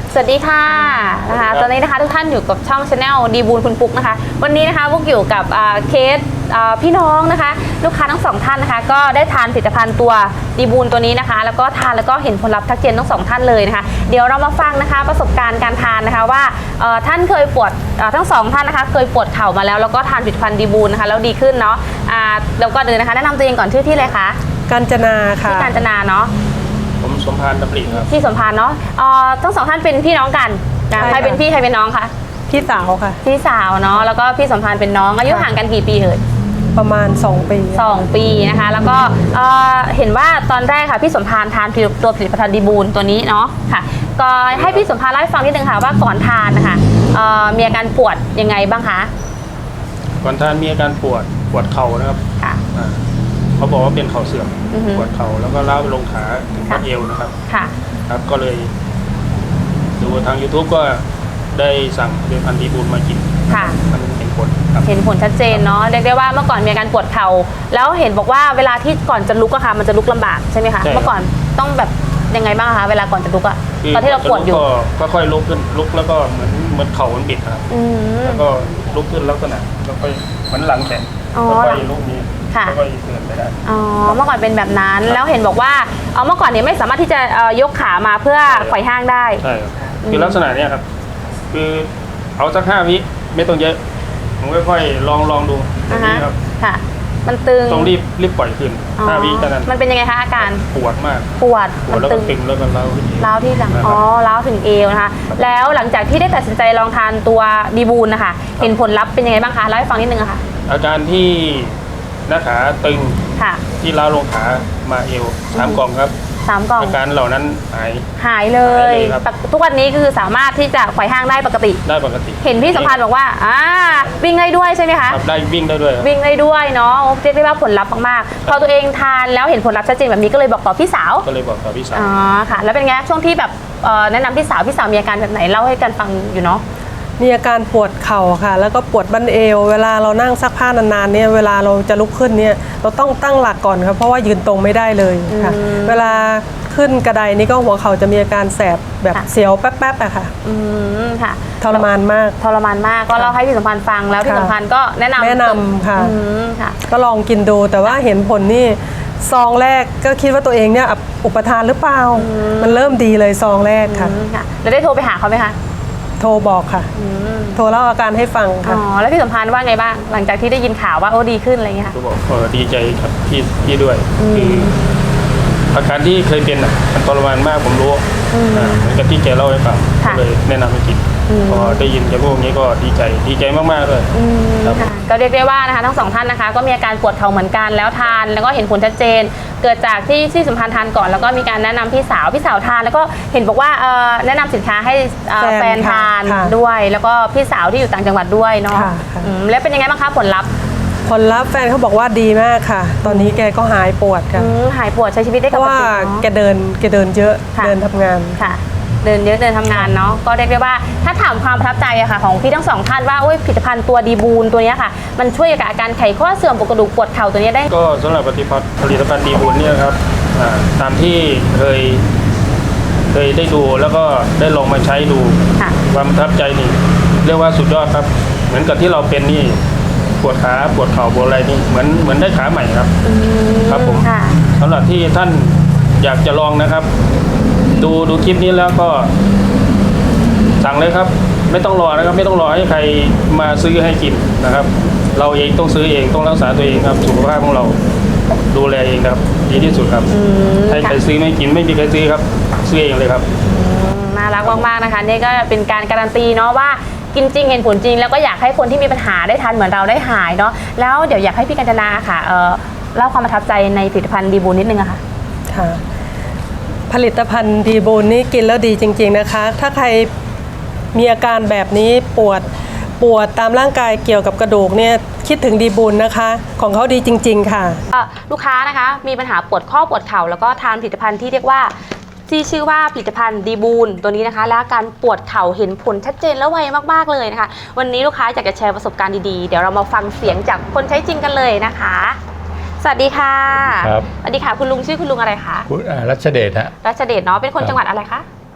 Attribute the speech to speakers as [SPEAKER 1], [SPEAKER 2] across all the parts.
[SPEAKER 1] สวัสดีค่ะนะคะตอนนี้นะคะทุกท่านอยู่กับช่อง Channel ดีบูลคุณปุ๊กนะคะวันนี้นะคะพวกอยู่กับเคสพี่น้องนะคะลูกค้าทั้งสองท่านนะคะก็ได้ทานผลิตภัณฑ์ตัวดีบูลตัวนี้นะคะแล้วก็ทานแล้วก็เห็นผลลัพธ์ทักเจนทั้งสองท่านเลยนะคะเดี๋ยวเรามาฟังนะคะประสบการณ์การทานนะคะว่าท่านเคยปวดทั้งสองท่านนะคะเคยปวดเข่ามาแล้วก็ทานผลิตภัณฑ์ดีบูลนะคะแล้วดีขึ้นเนาะแล้วก็เดินนะคะแนะนำตัวเองก่อนชื่อที่เลยคะ
[SPEAKER 2] กาญจนาค่ะ
[SPEAKER 1] ที่กาญจนาเนาะ
[SPEAKER 3] ผมสมพานดำริครับ
[SPEAKER 1] ที่สมพานเนาะทั้งสองท่านเป็นพี่น้องกันใครเป็นพี่ใครเป็นน้องคะ
[SPEAKER 2] พี่สาวค่ะ
[SPEAKER 1] พี่สาวเนาะแล้วก็พี่สมพานเป็นน้องอายุห่างกันกี่ปีเอ่ย
[SPEAKER 2] ประมาณ2 ปี
[SPEAKER 1] 2 ปีนะคะแล้วก็เห็นว่าตอนแรกค่ะพี่สมพานทานตัวผลิตภัณฑ์ดีบูลตัวนี้เนาะค่ะก็ให้พี่สมพานเล่าให้ฟังนิดนึงค่ะว่าก่อนทานนะคะมีอาการปวดยังไงบ้างคะ
[SPEAKER 3] ก่อนทานมีอาการปวดเข่านะครับ
[SPEAKER 1] ค่ะ
[SPEAKER 3] เขาบอกว่าเป็นเข่าเสื่อมปวดเข่าแล้วก็ล้าวไปลงขาถึงข้อเอวนะครับ
[SPEAKER 1] ค่ะ
[SPEAKER 3] ครับก็เลยดูทาง YouTube ก็ได้สั่งผลิตภัณฑ์ดีบูลมากิน
[SPEAKER 1] ค่ะ
[SPEAKER 3] มันเห็นผลครับ
[SPEAKER 1] เห็นผลชัดเจนเนาะเรียกได้ว่าเมื่อก่อนมีอาการปวดเข่าแล้วเห็นบอกว่าเวลาที่ก่อนจะลุกอะค่ะมันจะลุกลำบากใช่ไหมคะเมื่อก่อนต้องแบบยังไงบ้างคะเวลาก่อนจะลุกอะตอนที่เราปวดอยู่
[SPEAKER 3] ก็ค่อยลุกขึ้นลุกแล้วก็เหมือนเข่ามันบิดครับแล้วก็ลุกขึ้นลักษณะแล้วก็เหมือนหลังแข็งค่อยลุกนี้ค่อยเดินไปได้
[SPEAKER 1] อ๋อเมื่อก่อนเป็นแบบนั้นแล้วเห็นบอกว่าเมื่อก่อนเนี่ยไม่สามารถที่จะยกขามาเพื่อไขว่ห้างได้
[SPEAKER 3] ใช่ครับคือลักษณะเนี้ยครับคือเอาสัก5 วิไม่ต้องเยอะผมค่อยๆลองดูนี่ครับ
[SPEAKER 1] ค่ะมันตึง
[SPEAKER 3] ต้องรีบปล่อยขึ้น5 วิเท่านั้น
[SPEAKER 1] มันเป็นยังไงคะอาการ
[SPEAKER 3] ปวดมาก
[SPEAKER 1] มัน
[SPEAKER 3] แล้วก็ตึงแล้วก็
[SPEAKER 1] ร้าวที่หลังร้าวถึงเอวนะคะแล้วหลังจากที่ได้ตัดสินใจลองทานตัวดีบูลนะคะเห็นผลลัพธ์เป็นยังไงบ้างคะเล่าให้ฟังนิดนึงค่ะ
[SPEAKER 3] อาการที่หน้าขาตึงที่ล้าวลงขามาเอว3 กล่องครับ
[SPEAKER 1] 3 กล่อง
[SPEAKER 3] อาการเหล่านั้น
[SPEAKER 1] หายเลยทุกวันนี้คือสามารถที่จะไขว่ห้างได้ปกติเห็นพี่สัมพันธ์บอกว่าวิ่งได้ด้วยใช่ไหมคะ
[SPEAKER 3] ได้วิ่งได้ด้วย
[SPEAKER 1] เนาะเรียกได้ว่าผลลัพธ์มากๆพอตัวเองทานแล้วเห็นผลลัพธ์ชัดเจนแบบนี้ก็เลยบอกต่อพี่สาวอ๋อค่ะแล้วเป็นไงช่วงที่แบบแนะนำพี่สาวมีอาการแบบไหนเล่าให้กันฟังอยู่เนาะ
[SPEAKER 2] มีอาการปวดเข่าค่ะแล้วก็ปวดบั้นเอวเวลาเรานั่งซักผ้านานๆเนี่ยเวลาเราจะลุกขึ้นเนี่ยเราต้องตั้งหลักก่อนครับเพราะว่ายืนตรงไม่ได้เลยค่ะเวลาขึ้นกระไดนี่ก็หัวเข่าจะมีอาการแสบแบบเสียวแป๊บๆอะค่ะ
[SPEAKER 1] ค่ะ
[SPEAKER 2] ทรมานมาก
[SPEAKER 1] ก็เล่าให้พี่สัมพันธ์ฟังแล้วพี่สัมพันธ์ก็แนะน
[SPEAKER 2] ำค่ะก็ลองกินดูแต่ว่าเห็นผลนี่ซองแรกก็คิดว่าตัวเองเนี่ยอุปทานหรือเปล่ามันเริ่มดีเลยซองแรกค่ะ
[SPEAKER 1] แล้วได้โทรไปหาเขาไหมคะ
[SPEAKER 2] โทรบอกค่ะโทรเล่าอาการให้ฟังค่ะ
[SPEAKER 1] แล้วพี่สัมพันธ์ว่าไงบ้างหลังจากที่ได้ยินข่าวว่าดีขึ้นอะไรเงี้ยค่ะ
[SPEAKER 3] ก็บอกดีใจครับพี่ด้วยคืออาการที่เคยเป็นมันทรมานมากผมรู้เหมือนกับที่แกเล่าให้ฟังก็เลยแนะนำให้กินพอได้ยินจากพวกนี้ก็ดีใจมากๆเลย
[SPEAKER 1] ก็เรียกได้ว่านะคะทั้งสองท่านนะคะก็มีอาการปวดเข่าเหมือนกันแล้วทานแล้วก็เห็นผลชัดเจนเกิดจากที่สัมพันธ์ทานก่อนแล้วก็มีการแนะนำพี่สาวทานแล้วก็เห็นบอกว่าแนะนำสินค้าให้แฟนทานด้วยแล้วก็พี่สาวที่อยู่ต่างจังหวัดด้วยเนาะแล้วเป็นยังไงบ้างคะผลลัพธ์
[SPEAKER 2] แฟนเขาบอกว่าดีมากค่ะตอนนี้แกก็หายปวดค่ะ
[SPEAKER 1] หายปวดใช้ชีวิตได้ปกติ
[SPEAKER 2] เพราะว่าแกเดินเยอะเดินทำงาน
[SPEAKER 1] ค่ะเดินเยอะเดินทำงานเนาะก็เรียกได้ว่าถ้าถามความประทับใจอะค่ะของพี่ทั้งสองท่านว่าผลิตภัณฑ์ตัวดีบูลตัวนี้ค่ะมันช่วยกับอาการไขข้อเสื่อมปวดกระดูกปวดเข่าตัวนี้ได้
[SPEAKER 3] ก็สำหรับผลิตภัณฑ์ดีบูลเนี่ยครับตามที่เคยได้ดูแล้วก็ได้ลองมาใช้ดูความประทับใจนี่เรียกว่าสุดยอดครับเหมือนกับที่เราเป็นนี่ปวดขาปวดเข่าปวดอะไรนี่เหมือนได้ขาใหม่ครับครับผมสำหรับที่ท่านอยากจะลองนะครับดูคลิปนี้แล้วก็สั่งเลยครับไม่ต้องรอนะครับไม่ต้องรอให้ใครมาซื้อให้กินนะครับเราเองต้องซื้อเองต้องรักษาตัวเองครับสุขภาพของเราดูแลเองครับดีที่สุดครับให้ใครซื้อไม่กินไม่มีใครซื้อครับซื้อเองเลยครับ
[SPEAKER 1] น่ารักมากๆนะคะนี่ก็เป็นการการันตีเนาะว่ากินจริงเห็นผลจริงแล้วก็อยากให้คนที่มีปัญหาได้ทานเหมือนเราได้หายเนาะแล้วเดี๋ยวอยากให้พี่กัญจนาค่ะเล่าความประทับใจในผลิตภัณฑ์ดีบูลนิดนึงอะค่ะ
[SPEAKER 2] ผลิตภัณฑ์ดีบูลนี่กินแล้วดีจริงๆนะคะถ้าใครมีอาการแบบนี้ปวดตามร่างกายเกี่ยวกับกระดูกเนี่ยคิดถึงดีบูลนะคะของเขาดีจริงๆค่ะ
[SPEAKER 1] ลูกค้านะคะมีปัญหาปวดข้อปวดเข่าแล้วก็ทานผลิตภัณฑ์ที่เรียกว่าที่ชื่อว่าผลิตภัณฑ์ดีบูลตัวนี้นะคะและการปวดเข่าเห็นผลชัดเจนและไวมากๆเลยนะคะวันนี้ลูกค้าอยากจะแชร์ประสบการณ์ดีๆเดี๋ยวเรามาฟังเสียงจากคนใช้จริงกันเลยนะคะสวัสดีค่ะ
[SPEAKER 4] ครับ
[SPEAKER 1] สวัสดีค่ะคุณลุงชื่อคุณลุงอะไรคะ
[SPEAKER 4] รัชเดชฮะ
[SPEAKER 1] รัชเดชเนาะเป็นคนจังหวัดอะไรคะ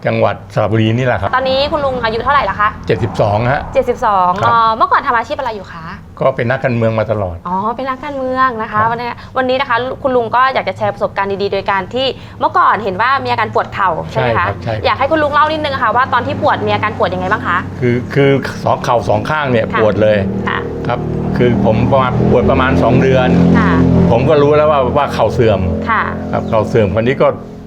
[SPEAKER 4] จังหวัดสระบุรีนี่แหละครับ
[SPEAKER 1] ตอนนี้คุณลุงอายุเท่าไหร่ละคะ
[SPEAKER 4] 72ฮะ
[SPEAKER 1] 72
[SPEAKER 4] ครับ
[SPEAKER 1] เมื่อก่อนทำอาชีพอะไรอยู่คะ
[SPEAKER 4] ก็เป็นนักการเมืองมาตลอด
[SPEAKER 1] อ๋อเป็นนักการเมืองนะคะ
[SPEAKER 4] ครับ
[SPEAKER 1] วันนี้นะคะคุณลุงก็อยากจะแชร์ประสบการณ์ดีๆโดยการที่เมื่อก่อนเห็นว่ามีอาการปวดเข่าใช่ไหม
[SPEAKER 4] ใช่ครั
[SPEAKER 1] คะ
[SPEAKER 4] บใช่
[SPEAKER 1] อยากให้คุณลุงเล่านิดนึงค่ะว่าตอนที่ปวดมีอาการปวดยังไงบ้างคะ
[SPEAKER 4] คือสองเข่าสองข้างเนี่ย
[SPEAKER 1] ค่ะ
[SPEAKER 4] ปวดเลย
[SPEAKER 1] ค่ะ
[SPEAKER 4] ครับคือผมปวดประมาณ2 เดือน
[SPEAKER 1] ค่ะ
[SPEAKER 4] ผมก็รู้แล้วว่าเข่าเสื่อม
[SPEAKER 1] ค่ะ
[SPEAKER 4] ครับเข่าเสื่อมคนนี้ก็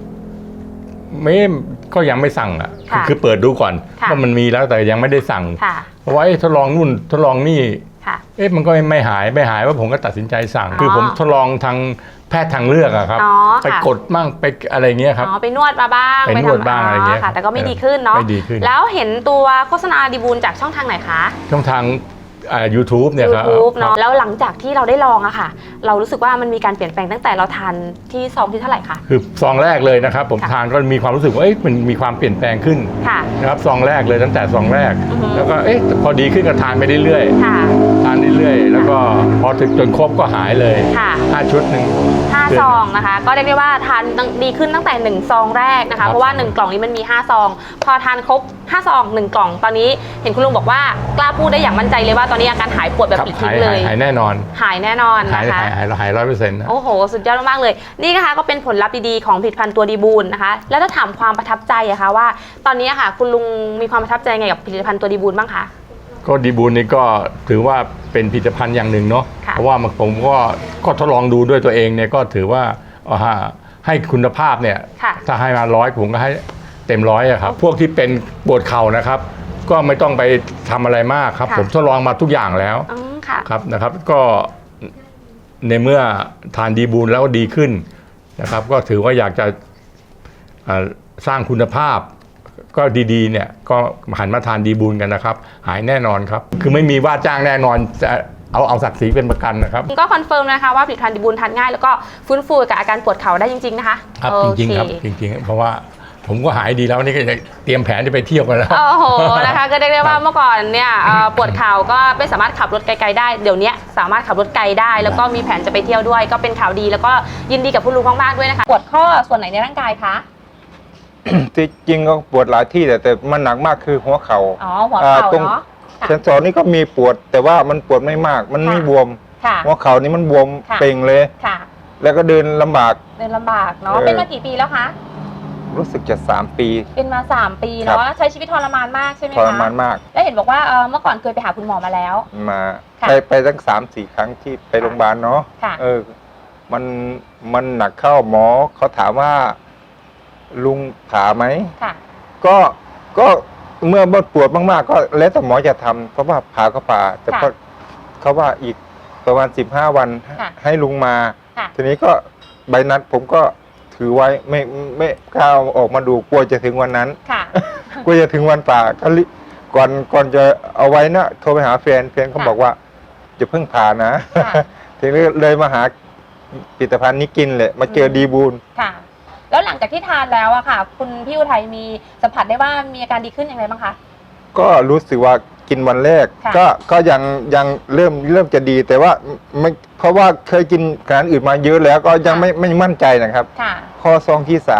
[SPEAKER 4] ก็ยังไม่สั่งอ่ะ
[SPEAKER 1] ค่ะ
[SPEAKER 4] คือเปิดดูก่อน
[SPEAKER 1] ค่ะ
[SPEAKER 4] ว่ามันมีแล้วแต่ยังไม่ได้สั่ง
[SPEAKER 1] ค่ะ
[SPEAKER 4] เพราะว่าทดลองนู่นทดลองนี่
[SPEAKER 1] ค่ะ
[SPEAKER 4] มันก็ไม่หายว่าผมก็ตัดสินใจสั่ง
[SPEAKER 1] อ๋อ
[SPEAKER 4] คือผมทดลองทางแพทย์ทางเลือกอะครับ
[SPEAKER 1] อ๋อ
[SPEAKER 4] ไป
[SPEAKER 1] ค่ะ
[SPEAKER 4] กดมั่งไปอะไรเงี้ยครับ
[SPEAKER 1] อ๋อไปนวดมาบ้าง
[SPEAKER 4] ไปนวดบ้างอะไรเงี้ย
[SPEAKER 1] ค่ะ แต่ก็ไม่ดีขึ้นเนาะ
[SPEAKER 4] ไม่ดีขึ้น
[SPEAKER 1] แล้วเห็นตัวโฆษณาดีบูลจากช่องทางไหนคะ
[SPEAKER 4] ช่องทางYouTube เนี่ยครับ
[SPEAKER 1] YouTube เนาะ
[SPEAKER 4] ครับ
[SPEAKER 1] แล้วหลังจากที่เราได้ลองอะค่ะ เรารู้สึกว่ามันมีการเปลี่ยนแปลงตั้งแต่เราทานที่ซองที่เท่าไหร่คะ
[SPEAKER 4] คือซองแรกเลยนะครับ ผม
[SPEAKER 1] ค่ะ
[SPEAKER 4] ทานก็มีความรู้สึกว่ามันมีความเปลี่ยนแปลงขึ้น
[SPEAKER 1] ค่ะ
[SPEAKER 4] นะครับซองแรกเลยตั้งแต่ซองแรก
[SPEAKER 1] อือฮึ
[SPEAKER 4] แล้วก็พอดีขึ้นก็ทานไปเรื่อย
[SPEAKER 1] ค่ะ
[SPEAKER 4] ๆทานเรื่อยๆแล้วก็พอถึงจนครบก็หายเลย
[SPEAKER 1] ค่ะ
[SPEAKER 4] 5 ชุดหนึ่ง
[SPEAKER 1] 5 ซองนะคะ ก็เรียกได้ว่าทานดีขึ้นตั้งแต่1ซองแรกนะ
[SPEAKER 4] ครั
[SPEAKER 1] คะ
[SPEAKER 4] บ
[SPEAKER 1] เพราะว่า1กล่องนี้มันมี5ซอง พอทานครบ5ซอง1กล่อง ตอนนี้เห็นคุณลุงบอกว่ากล้าพูดได้อย่างมั่นใจเลยว่าตอนนี้อาการหายปวดแบบ
[SPEAKER 4] ครับ
[SPEAKER 1] ปลิดทิ้งเลย
[SPEAKER 4] หายแน่นอน
[SPEAKER 1] หายแน่นอน
[SPEAKER 4] หาย
[SPEAKER 1] นะคะ
[SPEAKER 4] 100%นะ
[SPEAKER 1] โอ้โห สุดยอดมากๆเลย นี่นะคะก็เป็นผลลัพธ์ดีๆของผลิตภัณฑ์ตัวดีบูลนะคะ แล้วถ้าถามความประทับใจอะคะว่าตอนนี้อะค่ะคุณลุงมีความประทับใจไงกับผลิตภัณฑ์ตัวดีบูลบ้างคะ
[SPEAKER 4] ก็ดีบูลนี่ก็ถือว่าเป็นผลิตภัณฑ์อย่างหนึ่งเนาะ
[SPEAKER 1] ค่ะ
[SPEAKER 4] เพราะว่าผมก็ทดลองดูด้วยตัวเองเนี่ยก็ถือว่าให้คุณภาพเนี่ย
[SPEAKER 1] ค่ะ
[SPEAKER 4] ถ้าให้มา100ผมก็ให้เต็ม100อะครับพวกที่เป็นปวดเข่านะครับ ก็ไม่ต้องไปทำอะไรมากครับ
[SPEAKER 1] ค่ะ
[SPEAKER 4] ผมทดลองมาทุกอย่างแล้ว
[SPEAKER 1] อืมค่ะ
[SPEAKER 4] ครับนะครับก็ในเมื่อทานดีบูลแล้วดีขึ้นนะครับ ก็ถือว่าอยากจะสร้างคุณภาพ ก็ดีๆเนี่ยก็หันมาทานดีบูลกันนะครับ หายแน่นอนครับ คือไม่มีว่าจ้างแน่นอนจะเอาศักดิ์ศรีเป็นประกันนะครับ
[SPEAKER 1] ก็คอนเฟิร์มนะคะว่าผลิตภัณฑ์ดีบูลทานง่ายแล้วก็ฟื้นฟูกับอาการปวดเข่าได้จริงๆนะคะ
[SPEAKER 4] ครับ
[SPEAKER 1] โอ
[SPEAKER 4] จริง
[SPEAKER 1] เค
[SPEAKER 4] ๆครับจริงๆเพราะว่าผมก็หายดีแล้วนี่ก็จะเตรียมแผนจะไปเที่ยวกันแล้ว
[SPEAKER 1] โอ้โหนะคะก็เรียกได้ว่าเมื่อก่อนเนี่ยปวดเข่าก็ไม่สามารถขับรถไกลๆได้เดี๋ยวนี้สามารถขับรถไกลได้ แล้วก็มีแผนจะไปเที่ยวด้วย ก็เป็นข่าวดีแล้วก็ยินดีกับคุณลุงมากๆด้วยนะคะปวดข้อส่วนไหนในร่างกายคะ
[SPEAKER 5] ที่จริงก็ปวดหลายที่แต่มันหนักมากคือหัวเข่า
[SPEAKER 1] อ๋อหัวเข่า
[SPEAKER 5] ตรง
[SPEAKER 1] เนาะค่ะ
[SPEAKER 5] เซนสอนนี่ก็มีปวดแต่ว่ามันปวดไม่มาก มันไม่
[SPEAKER 1] ค่ะ
[SPEAKER 5] บวม
[SPEAKER 1] ค่ะ
[SPEAKER 5] หัวเข่านี่มันบวม
[SPEAKER 1] ค่ะ
[SPEAKER 5] เป่งเลย
[SPEAKER 1] ค่ะ
[SPEAKER 5] แล้วก็เดินลำบาก
[SPEAKER 1] เดินลำบากเนาะ
[SPEAKER 5] เออ
[SPEAKER 1] เป็นมากี่ปีแล้วคะ
[SPEAKER 5] รู้สึกจะ3 ปี
[SPEAKER 1] เป็นมา3 ปี
[SPEAKER 5] ครับ
[SPEAKER 1] เนาะใช้ชีวิตทรมานมากใช่ไหม
[SPEAKER 5] ท
[SPEAKER 1] คะ
[SPEAKER 5] รมานมาก
[SPEAKER 1] แล้วเห็นบอกว่าเมื่อก่อนเคยไปหาคุณหมอมาแล้ว
[SPEAKER 5] มา
[SPEAKER 1] ค่ะ
[SPEAKER 5] ไปตั้ง3-4 ครั้งที่ไปโรงพยาบาลเนาะ
[SPEAKER 1] ค่ะ
[SPEAKER 5] มันหนักเข้าหมอเขาถามว่าลุงผ่าไหม
[SPEAKER 1] ค่ะ
[SPEAKER 5] ก็เมื่อปวดมากๆ ก็แล้วแต่หมอจะทำเพราะว่าผ่าก็ผ่าแต่ก็
[SPEAKER 1] ค่ะ
[SPEAKER 5] เขาว่าอีกประมาณ15 วัน
[SPEAKER 1] ค่ะ
[SPEAKER 5] ให้ลุงมา
[SPEAKER 1] ค่ะ
[SPEAKER 5] ทีนี้ก็ใบนัดผมก็ถือไว้ไม่กล้าเอาออกมาดูกลัวจะถึงวันนั้น
[SPEAKER 1] ค่ะ
[SPEAKER 5] กลัวจะถึงวันผ่าก็ก่อนจะเอาไว้นะโทรไปหาแฟนเขา
[SPEAKER 1] ค่ะ
[SPEAKER 5] บอกว่าจะเพิ่งผ่านะ
[SPEAKER 1] ค่ะ
[SPEAKER 5] ทีนี้เลยมาหาผลิตภัณฑ์นี้กินเลยมาเจอดีบูล
[SPEAKER 1] ค่ะ แล้วหลังจากที่ทานแล้วอะค่ะ คุณพี่อุทัยมีสัมผัสได้ว่ามีอาการดีขึ้นอย่างไรบ้างคะ
[SPEAKER 5] ก็รู้สึกว่ากินวันแรก
[SPEAKER 1] ค่ะ
[SPEAKER 5] ก็ยังเริ่มจะดีแต่ว่าไม่เพราะว่าเคยกินอาหารอื่นมาเยอะแล้วก็ยังไม่มั่นใจนะครับ
[SPEAKER 1] ค่ะ
[SPEAKER 5] พอซองที่
[SPEAKER 1] ค่ะ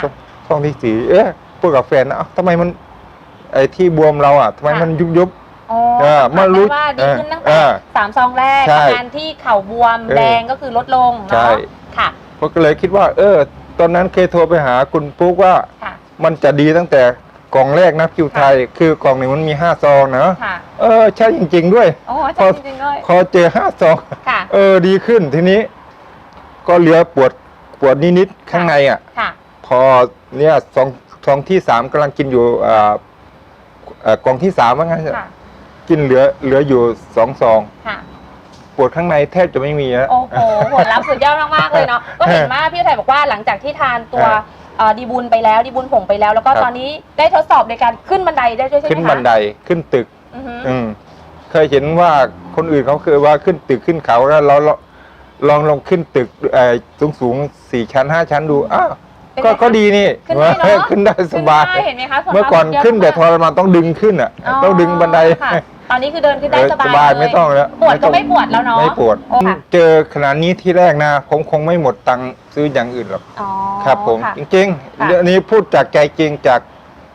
[SPEAKER 5] 3ซองที่4พูดกับแฟนนะเอ้าทำไมมันไอ้ที่บวมเราอ่ะทำไมมันยุบ
[SPEAKER 1] อ๋อ
[SPEAKER 5] มารู้
[SPEAKER 1] สัมผัสได้ว่าดีขึ้นตั้งแต่
[SPEAKER 5] เออ
[SPEAKER 1] 3 ซองแรก
[SPEAKER 5] ใช่
[SPEAKER 1] อาการที่เข่าบวม
[SPEAKER 5] เออ
[SPEAKER 1] แดงก็คือลดลง
[SPEAKER 5] ใช่
[SPEAKER 1] เนาะค่ะ
[SPEAKER 5] ก็เลยคิดว่า ตอนนั้นเคยโทรไปหาคุณปุ๊กว่า
[SPEAKER 1] ค่ะ
[SPEAKER 5] มันจะดีตั้งแต่กล่องแรกนะคิวไทย คือกล่องหนึ่งมันมี5 ซองนะ
[SPEAKER 1] ค่ะ
[SPEAKER 5] ใช่จริงๆด้วย
[SPEAKER 1] โอ้ใช่จริงๆเลย
[SPEAKER 5] พอเจอ5 ซอง
[SPEAKER 1] ค่ะ
[SPEAKER 5] ดีขึ้นทีนี้ ก็เหลือปวดนิดๆข้างในอ่ะ
[SPEAKER 1] ค่ะ
[SPEAKER 5] พอเนี่ยซองที่ 3กำลังกินอยู่กล่องที่3ว่างั้น
[SPEAKER 1] ค่ะ
[SPEAKER 5] กินเหลืออยู่2 ซอง
[SPEAKER 1] ค่ะ
[SPEAKER 5] ปวดข้างในแทบจะไม่มีแล้ว
[SPEAKER 1] โอ้โหผลลัพธ์สุดยอดมากๆเลยเนาะ ก็เห็นว่าพี่อุทัยบอกว่าหลังจากที่ทานตัวดีบุญไปแล้วดีบุญผงไปแล้ว แล้วก็
[SPEAKER 5] ครับ
[SPEAKER 1] ตอนนี้ได้ทดสอบในการขึ้นบันไดได้ด้วยใช่ไหมคะ
[SPEAKER 5] ขึ้นบันไดขึ้นตึก
[SPEAKER 1] อือฮึ
[SPEAKER 5] เคยเห็นว่าคนอื่นเขาเคยว่าขึ้นตึกขึ้นเขาแล้วเราลองขึ้นตึกสูง4 ชั้น 5 ชั้นดูอ้าว
[SPEAKER 1] เป็นไงคะ
[SPEAKER 5] ก็ดีนี่
[SPEAKER 1] ขึ้นได้เนอะ
[SPEAKER 5] ขึ้นได้สบาย
[SPEAKER 1] ขึ้นได้เห็นไหมคะผลลัพธ์
[SPEAKER 5] เมื่อก่อน
[SPEAKER 1] สุดยด
[SPEAKER 5] ขึ้นแต่ท
[SPEAKER 1] มาก
[SPEAKER 5] รมานต้องดึงขึ้นอ่ะ ต้องดึงบันได
[SPEAKER 1] ค่ะตอนนี้คือเดินขึ้นได้สบาย
[SPEAKER 5] สบาย
[SPEAKER 1] เลย
[SPEAKER 5] ไม่ต้องแล้ว
[SPEAKER 1] ปวดก็ไม่ปวดแล้วเนาะ
[SPEAKER 5] ไม่ปวด
[SPEAKER 1] โอ้ค่ะ
[SPEAKER 5] เจอขนาดนี้ที่แรกนะผมคงไม่หมดตังค์ซื้ออย่างอื่นหรอก
[SPEAKER 1] อ๋อ
[SPEAKER 5] ครับผม
[SPEAKER 1] ค่ะ
[SPEAKER 5] จริง
[SPEAKER 1] ค่ะ
[SPEAKER 5] ๆเรื่องนี้พูดจากใจจริงจาก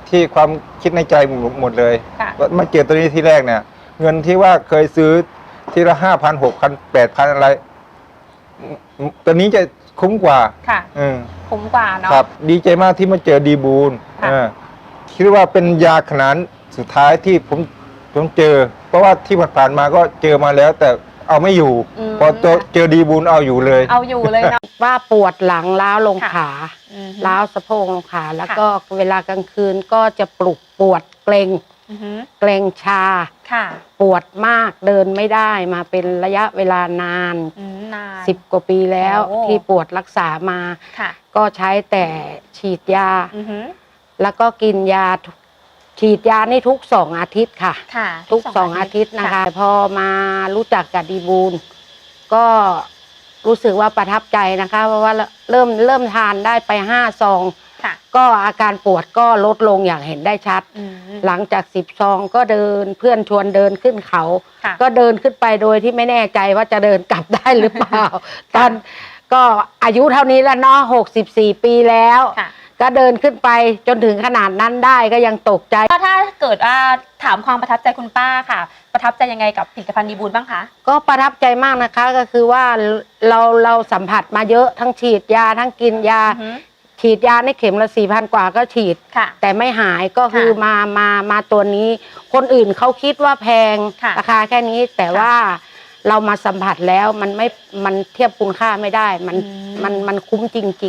[SPEAKER 5] ที่ความคิดในใจหมดเลย
[SPEAKER 1] ค่ะ
[SPEAKER 5] มาเจอตัวนี้ที่แรกเนี่ย เงินที่ว่าเคยซื้อทีละ5,000 6,000 8,000อะไรตัวนี้จะคุ้มกว่า
[SPEAKER 1] ค่ะ
[SPEAKER 5] อืม
[SPEAKER 1] คุ้มกว่าเนาะ
[SPEAKER 5] ครับ ดีใจมากที่มาเจอดีบูล
[SPEAKER 1] ค่ะ
[SPEAKER 5] คิดว่าเป็นยาขนาดสุดท้ายที่ผมเจอ เพราะว่าที่ผ่านๆมาก็เจอมาแล้ว แต่เอาไม่อยู่ พอเจอดีบูลเอาอยู่เลย
[SPEAKER 1] เอาอยู่เลยเนาะ
[SPEAKER 6] ว่าปวดหลังล้าวลง
[SPEAKER 1] ค่ะ
[SPEAKER 6] ขา
[SPEAKER 1] อืม
[SPEAKER 6] ล้าวสะโพกลงขาแล้วก็เวลากลางคืนก็จะปวดเกร็ง
[SPEAKER 1] อือฮึ
[SPEAKER 6] เกร็งชา
[SPEAKER 1] ค่ะ
[SPEAKER 6] ปวดมากเดินไม่ได้มาเป็นระยะเวลานาน
[SPEAKER 1] นาน
[SPEAKER 6] 10 กว่าปีแล้ว
[SPEAKER 1] โอ้
[SPEAKER 6] ที่ปวดรักษามา
[SPEAKER 1] ค่ะ
[SPEAKER 6] ก็ใช้แต่ฉีดยา
[SPEAKER 1] อือฮึ
[SPEAKER 6] แล้วก็กินยาฉีดยานี่ทุก2 อาทิตย์ค่ะ
[SPEAKER 1] ค่ะ
[SPEAKER 6] ทุก2 อาทิตย์นะคะพอมารู้จักกับดีบูลก็รู้สึกว่าประทับใจนะคะ เพราะว่าเริ่มทานได้ไป5 ซอง
[SPEAKER 1] ค่ะ
[SPEAKER 6] ก็อาการปวดก็ลดลงอย่างเห็นได้ชัด
[SPEAKER 1] อืม
[SPEAKER 6] หลังจาก10 ซองก็เดินเพื่อนชวนเดินขึ้นเขา
[SPEAKER 1] ค่ะ
[SPEAKER 6] ก็เดินขึ้นไปโดยที่ไม่แน่ใจว่าจะเดินกลับได้หรือเปล่า ตอนก็อายุเท่านี้แล้วเนาะ64 ปีแล้ว
[SPEAKER 1] ค่ะ
[SPEAKER 6] ก็เดินขึ้นไปจนถึงขนาดนั้นได้ก็ยังตกใจ
[SPEAKER 1] ถ้าเกิดถามความประทับใจคุณป้าค่ะ ประทับใจยังไงกับผลิตภัณฑ์ดีบูลบ้างคะ
[SPEAKER 6] ก็ประทับใจมากนะคะก็คือว่าเราสัมผัสมาเยอะทั้งฉีดยาทั้งกินยา
[SPEAKER 1] อือฮึ
[SPEAKER 6] ฉีดยาในเข็มละ4,000 กว่าก็ฉีด
[SPEAKER 1] ค่ะ
[SPEAKER 6] แต่ไม่หายก็คือ
[SPEAKER 1] ค่ะ
[SPEAKER 6] มาตัวนี้ คนอื่นเขาคิดว่าแพง
[SPEAKER 1] ค่ะ
[SPEAKER 6] ราคาแค่นี้แต่
[SPEAKER 1] ค่ะ
[SPEAKER 6] ว่าเรามาสัมผัสแล้วมันเทียบคุณค่าไม่ได้มันคุ้มจริงๆ